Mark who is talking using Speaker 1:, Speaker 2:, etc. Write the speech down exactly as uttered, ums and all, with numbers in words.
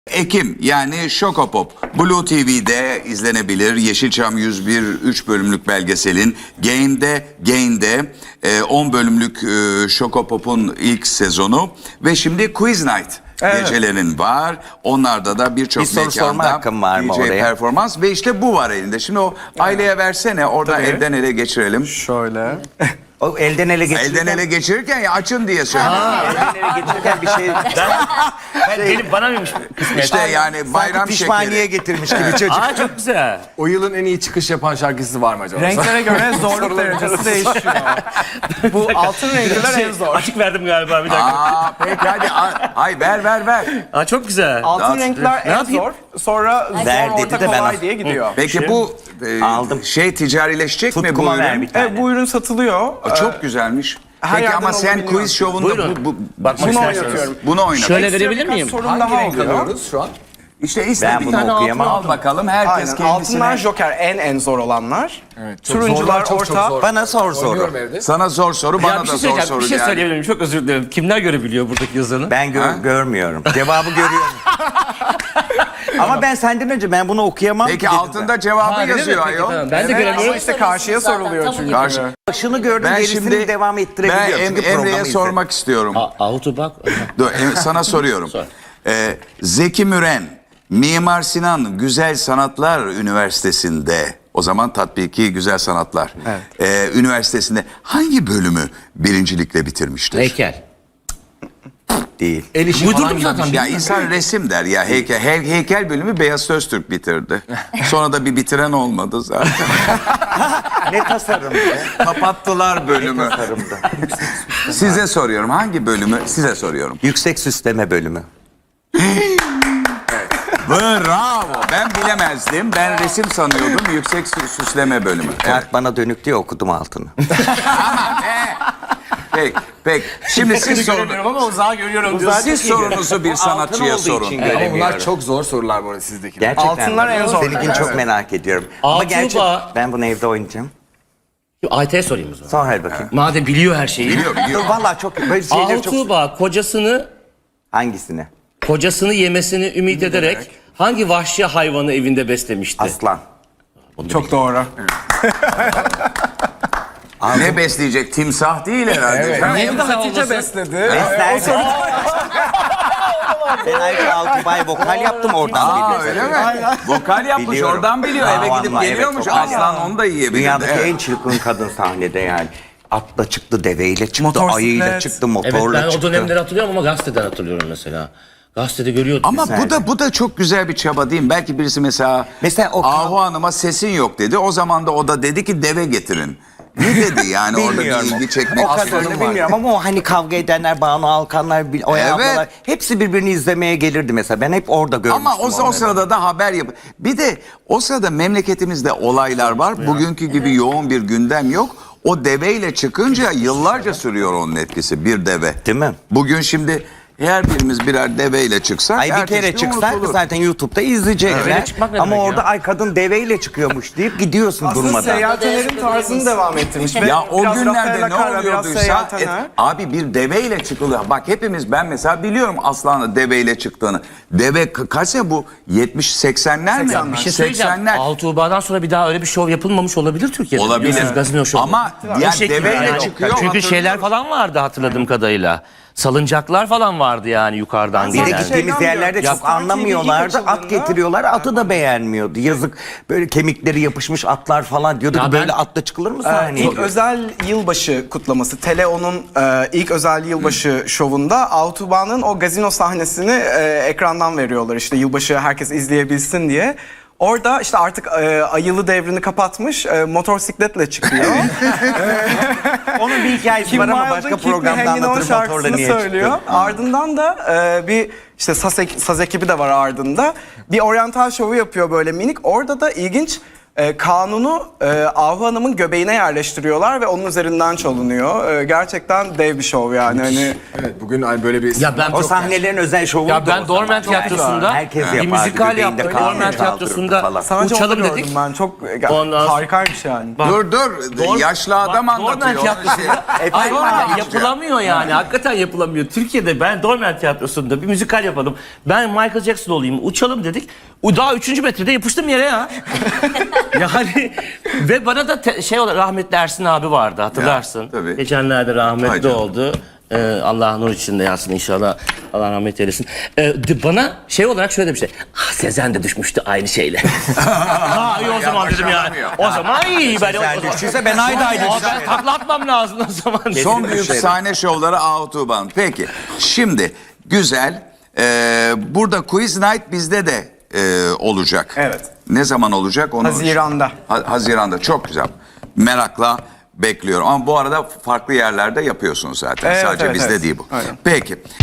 Speaker 1: Ekim yani Şokopop Blue T V'de izlenebilir. Yeşilçam yüz bir üç bölümlük belgeselin Gain'de Gain'de e, on bölümlük e, Şokopop'un ilk sezonu ve şimdi Quiz Night evet. gecelerin var. Onlarda da birçok
Speaker 2: bir
Speaker 1: mekanda D J performans ve işte bu var elinde. Şimdi o aileye versene orada Tabii. elden ele geçirelim.
Speaker 3: Şöyle.
Speaker 2: O elden ele geçirirken...
Speaker 1: Elden ele geçirirken ya açın diye söylüyorum.
Speaker 2: Elden ele geçirirken bir şey...
Speaker 4: Ben, ben benim bana mıymış kısmet?
Speaker 1: İşte yani bayram
Speaker 2: pişmaniye
Speaker 1: şekeri.
Speaker 2: getirmiş gibi çocuk.
Speaker 4: Aa çok güzel.
Speaker 3: O yılın en iyi çıkış yapan şarkısı var mı acaba?
Speaker 5: Renklere göre zorluk derecesi değişiyor. Bu altın renkler en zor.
Speaker 4: Açık verdim galiba bir dakika.
Speaker 1: Aa peki hadi. Ay ver ver ver.
Speaker 4: Aa çok güzel.
Speaker 5: Altın
Speaker 1: Daha-
Speaker 5: renkler
Speaker 4: Ne
Speaker 5: en
Speaker 4: yapayım?
Speaker 5: zor. Sonra zor,
Speaker 2: Ver dedi
Speaker 5: orta,
Speaker 2: de ben
Speaker 5: kolay
Speaker 2: al-
Speaker 5: diye gidiyor.
Speaker 1: Peki bu e,
Speaker 2: Aldım.
Speaker 1: şey ticarileşecek mi bu
Speaker 2: Tutkuma ver
Speaker 1: ürün?
Speaker 2: bir tane.
Speaker 5: Evet, bu ürün satılıyor.
Speaker 1: Aa, Çok güzelmiş.
Speaker 5: her
Speaker 1: Peki
Speaker 5: yerden
Speaker 1: ama sen
Speaker 5: alabiliyor.
Speaker 1: quiz şovunda
Speaker 4: Buyurun.
Speaker 1: bu, bu,
Speaker 4: Bakmak
Speaker 5: Bunu
Speaker 4: isterseniz.
Speaker 5: oynatıyorum.
Speaker 1: bunu oynat.
Speaker 4: Şöyle
Speaker 5: Ekstra
Speaker 4: verebilir
Speaker 5: birkaç
Speaker 4: miyim?
Speaker 5: sorun
Speaker 3: Hangi
Speaker 5: daha
Speaker 3: renk
Speaker 5: oluyor.
Speaker 3: alıyoruz şu an?
Speaker 1: İşte iste
Speaker 2: Ben
Speaker 1: bir
Speaker 2: bunu
Speaker 1: tane
Speaker 2: okuyamam.
Speaker 1: al bakalım. Herkes
Speaker 5: Aynen.
Speaker 1: kendisine.
Speaker 5: Altınlar Joker en en zor olanlar.
Speaker 3: Evet, çok
Speaker 5: Turuncular
Speaker 3: zorlar, çok,
Speaker 5: orta.
Speaker 3: çok zor.
Speaker 2: Bana sor
Speaker 3: Oynuyorum
Speaker 2: soru.
Speaker 3: evde.
Speaker 1: Sana zor soru,
Speaker 4: Ya
Speaker 1: bana
Speaker 4: bir
Speaker 1: da
Speaker 4: şey
Speaker 1: zor
Speaker 4: söyleyeceğim.
Speaker 1: soru
Speaker 4: Bir şey
Speaker 1: yani.
Speaker 4: söyleyebilir miyim? Çok özür dilerim. Kimler görebiliyor buradaki yazanı?
Speaker 2: Ben gö- görmüyorum. Cevabı görüyorum. Ama ben senden önce ben bunu okuyamam.
Speaker 1: Peki
Speaker 2: dedim
Speaker 1: altında cevabı
Speaker 4: Ha, öyle mi?
Speaker 1: yazıyor
Speaker 4: Peki,
Speaker 1: ayol.
Speaker 4: tamam. Ben de
Speaker 5: Evet,
Speaker 4: göremiyorum.
Speaker 5: ama işte karşıya soruluyor çünkü.
Speaker 1: Karşı.
Speaker 2: ben. Şunu gördüm
Speaker 1: Ben
Speaker 2: gerisini
Speaker 1: şimdi
Speaker 2: devam
Speaker 1: ben
Speaker 2: ettirebiliyorum.
Speaker 1: Em-
Speaker 2: Çünkü
Speaker 1: Emre'ye
Speaker 2: programı izledim.
Speaker 1: sormak istiyorum.
Speaker 4: Ahutu bak.
Speaker 1: Dur, em- sana soruyorum.
Speaker 4: Sor.
Speaker 1: Ee, Zeki Müren, Mimar Sinan Güzel Sanatlar Üniversitesi'nde, o zaman tatbiki Güzel Sanatlar ee, Üniversitesi'nde hangi bölümü birincilikle bitirmiştir?
Speaker 4: Heykel.
Speaker 2: Değil.
Speaker 3: El işi falan
Speaker 4: Uydurdum
Speaker 3: gibi bir
Speaker 4: zaten.
Speaker 3: şey.
Speaker 1: Ya insan resim der ya heykel, he- heykel bölümü Beyaz Öztürk bitirdi. Sonra da bir bitiren olmadı zaten.
Speaker 2: Ne tasarımdı?
Speaker 1: Kapattılar bölümü.
Speaker 2: Tasarımdı.
Speaker 1: Size soruyorum hangi bölümü size soruyorum.
Speaker 2: Yüksek süsleme bölümü.
Speaker 1: Bravo. Ben bilemezdim. Ben resim sanıyordum. Yüksek sü- süsleme bölümü. Evet.
Speaker 2: Kart bana dönük diye okudum altını.
Speaker 1: Peki. Peki. Şimdi siz sorun.
Speaker 4: Göremiyorum ama uzağa görüyorum diyorsun.
Speaker 1: Siz sorunuzu bir sanatçıya
Speaker 2: olduğu
Speaker 1: sorun.
Speaker 2: için
Speaker 3: Ama bunlar
Speaker 2: göremiyorum.
Speaker 3: çok zor sorular bu arada sizdekiler.
Speaker 2: Gerçekten.
Speaker 5: Altınlar en zor.
Speaker 2: Seninkini çok merak ediyorum. Ama
Speaker 4: Altın
Speaker 2: gerçi
Speaker 4: bağ-
Speaker 2: ben bunu evde oynayacağım.
Speaker 4: Ayte'ye sorayım o zaman.
Speaker 2: Sor hadi bakayım.
Speaker 4: Madem biliyor her şeyi.
Speaker 1: Biliyor, biliyor.
Speaker 2: Dur valla çok böyle şeyleri çok...
Speaker 4: Altuğba kocasını
Speaker 2: Hangisini?
Speaker 4: kocasını yemesini ümit ederek hangi vahşi hayvanı evinde beslemişti?
Speaker 2: Aslan.
Speaker 5: Çok doğru.
Speaker 1: Ne besleyecek? Timsah değil herhalde.
Speaker 3: Evet.
Speaker 1: canım.
Speaker 4: Niye
Speaker 5: Hem de
Speaker 4: timsah
Speaker 5: Hatice
Speaker 4: olmasın?
Speaker 5: besledi.
Speaker 2: Beslerdi. Ben ayrıca Altubay vokal yaptım oradan
Speaker 1: Aa
Speaker 2: biliyorum.
Speaker 1: öyle mi? Vokal yapmış
Speaker 2: Biliyorum.
Speaker 1: oradan biliyor.
Speaker 2: Aa,
Speaker 1: Eve gidip
Speaker 2: vallahi
Speaker 1: geliyormuş.
Speaker 2: evet, vokal
Speaker 1: Aslan
Speaker 2: yaptım.
Speaker 1: onu da yiyebilir.
Speaker 2: Dünyadaki
Speaker 1: Evet.
Speaker 2: en çılgın kadın sahnede yani. Atla çıktı, deveyle çıktı,
Speaker 5: Motorsiklet.
Speaker 2: ayıyla çıktı,
Speaker 4: Evet
Speaker 2: motorla
Speaker 4: ben o
Speaker 2: çıktı.
Speaker 4: dönemleri hatırlıyorum ama gazeteden hatırlıyorum mesela. Gazetede görüyordum.
Speaker 1: Ama
Speaker 2: Güzel.
Speaker 1: bu da bu da çok güzel bir çaba değil mi? Belki birisi mesela,
Speaker 2: Mesela o-
Speaker 1: Ahu Hanım'a sesin yok dedi. O zaman da o da dedi ki deve getirin. Ne dedi yani orada bir
Speaker 2: Bilmiyorum.
Speaker 1: ilgi çekmek
Speaker 2: O kadarını
Speaker 1: aslanım var.
Speaker 2: bilmiyorum ama o hani kavga edenler, Banu Alkanlar, Bil- Oya
Speaker 1: Evet.
Speaker 2: ablalar hepsi birbirini izlemeye gelirdi mesela. Ben hep orada görmüştüm.
Speaker 1: Ama o, o
Speaker 2: onları.
Speaker 1: sırada da haber yap. Bir de o sırada memleketimizde olaylar var. Bugünkü gibi yoğun bir gündem yok. O deveyle çıkınca yıllarca sürüyor onun etkisi bir deve.
Speaker 2: Değil mi?
Speaker 1: Bugün şimdi her birimiz birer deveyle çıksak
Speaker 2: Ay bir
Speaker 1: ertesi
Speaker 2: kere
Speaker 1: gün
Speaker 2: çıksak
Speaker 1: unutulur.
Speaker 2: zaten YouTube'da izleyecekler.
Speaker 4: Deveyle çıkmak ne
Speaker 2: Ama
Speaker 4: demek
Speaker 2: orada
Speaker 4: ya?
Speaker 2: ay kadın deveyle çıkıyormuş deyip gidiyorsun
Speaker 5: Aslında
Speaker 2: durmadan.
Speaker 5: seyahatenin tarzını devam ettirmiş. Ve
Speaker 1: Ya o
Speaker 5: biraz
Speaker 1: günlerde
Speaker 5: Rafaela
Speaker 1: ne
Speaker 5: Carrà, biraz
Speaker 1: oluyorduysa
Speaker 5: seyahatener.
Speaker 1: et- abi bir deveyle çıkılıyor. Bak hepimiz ben mesela biliyorum Aslan'ın deveyle çıktığını. Deve ka- kaç sene bu? yetmiş seksenler mi?
Speaker 5: seksenler.
Speaker 4: Bir şey söyleyeceğim.
Speaker 1: seksenler.
Speaker 4: Altuğba'dan sonra bir daha öyle bir şov yapılmamış olabilir Türkiye'de.
Speaker 1: Olabilir.
Speaker 4: Biliyorsunuz, Gazino şovu.
Speaker 1: Ama
Speaker 4: O
Speaker 1: ya
Speaker 4: şekilde
Speaker 1: deveyle
Speaker 4: yani.
Speaker 1: çıkıyor,
Speaker 4: Çünkü şeyler
Speaker 1: hatırlıyorum.
Speaker 4: falan vardı hatırladığım kadarıyla. Salıncaklar falan vardı yani yukarıdan
Speaker 2: Bir de
Speaker 4: gelen.
Speaker 5: Zaten
Speaker 2: gittiğimiz
Speaker 5: şeyden
Speaker 2: yerlerde
Speaker 5: biliyorum.
Speaker 2: çok
Speaker 5: Ya,
Speaker 2: anlamıyorlardı.
Speaker 5: Star T V
Speaker 2: At
Speaker 5: ilk
Speaker 2: getiriyorlar. Atı da beğenmiyordu. Yazık böyle kemikleri yapışmış atlar falan diyordu
Speaker 4: Ya
Speaker 2: ki
Speaker 4: ben-
Speaker 2: böyle atla çıkılır mı
Speaker 5: Ee,
Speaker 2: sahneye?
Speaker 5: ilk özel yılbaşı kutlaması, Teleon'un e, ilk özel yılbaşı şovunda Autobahn'ın o gazino sahnesini e, ekrandan veriyorlar. İşte yılbaşı herkes izleyebilsin diye. Orada işte artık e, ayılı devrini kapatmış, e, motosikletle çıkıyor.
Speaker 2: Onun bir hikayesi
Speaker 5: Kim
Speaker 2: var ama
Speaker 5: Wilde'ın
Speaker 2: başka
Speaker 5: Keep Me
Speaker 2: programda
Speaker 5: Hanging On
Speaker 2: anlatırım motorla
Speaker 5: şarkısını
Speaker 2: niye
Speaker 5: söylüyor.
Speaker 2: çıktı.
Speaker 5: Ardından da e, bir işte saz, ek- saz ekibi de var ardında. Bir oryantal şovu yapıyor böyle minik. Orada da ilginç E, kanunu e, Ahu Hanım'ın göbeğine yerleştiriyorlar ve onun üzerinden çalınıyor. E, gerçekten dev bir şov yani. Hani
Speaker 3: Evet, bugün hani böyle bir...
Speaker 4: Ya ben
Speaker 2: O sahnelerin özel şovu
Speaker 4: Ya
Speaker 2: da
Speaker 4: ben
Speaker 2: o
Speaker 4: Dormen
Speaker 2: zaman.
Speaker 4: Tiyatrosu'nda
Speaker 2: Herkes
Speaker 4: bir
Speaker 2: yapardı,
Speaker 4: müzikal
Speaker 2: göbeğinde
Speaker 4: yaptık.
Speaker 2: kanun
Speaker 4: Dormen
Speaker 2: çaldırırdı
Speaker 4: Tiyatrosu'nda
Speaker 2: falan.
Speaker 5: sadece
Speaker 4: uçalım
Speaker 5: onu
Speaker 4: dedik.
Speaker 5: gördüm ben. Çok
Speaker 4: Ondan sonra-
Speaker 5: harikaymış yani.
Speaker 4: Bak,
Speaker 1: Dur dur
Speaker 4: Dor-
Speaker 1: yaşlı adam
Speaker 4: bak, Dormen
Speaker 1: anlatıyor.
Speaker 4: Tiyatrosu'nda
Speaker 2: Efendim
Speaker 4: Ay,
Speaker 2: abi.
Speaker 4: yapılamıyor yani. Hakikaten yapılamıyor. Türkiye'de ben Dormen Tiyatrosu'nda bir müzikal yapalım. Ben Michael Jackson olayım. Uçalım dedik. O daha üçüncü metrede yapıştım yere ya. Yani ve bana da te- şey olarak rahmetli Ersin abi vardı hatırlarsın.
Speaker 1: Ya, tabii.
Speaker 4: Geçenlerde
Speaker 1: Hay
Speaker 4: rahmetli
Speaker 1: canım.
Speaker 4: oldu. Ee, Allah nur içinde yatsın inşallah. Allah rahmet eylesin. Ee, de- bana şey olarak şöyle bir şey. Ah Sezen de düşmüştü aynı şeyle. ha iyi o zaman dedim yani.
Speaker 1: başaramıyor.
Speaker 4: O zaman iyi. Ben,
Speaker 2: Sezen
Speaker 4: o zaman-
Speaker 2: düştüyse ben ayda ayda
Speaker 4: Aa,
Speaker 2: düşerim.
Speaker 4: ben takla atmam lazım o zaman.
Speaker 1: Son büyük sahne şovları Autobahn. Peki şimdi güzel. Ee, burada Quiz Night bizde de e, olacak.
Speaker 5: Evet.
Speaker 1: Ne zaman olacak onu?
Speaker 5: Haziran'da.
Speaker 1: Ha- Haziran'da çok güzel. Merakla bekliyorum. Ama bu arada farklı yerlerde yapıyorsunuz zaten.
Speaker 5: Evet,
Speaker 1: Sadece
Speaker 5: evet,
Speaker 1: bizde
Speaker 5: evet.
Speaker 1: değil bu.
Speaker 5: Aynen.
Speaker 1: Peki.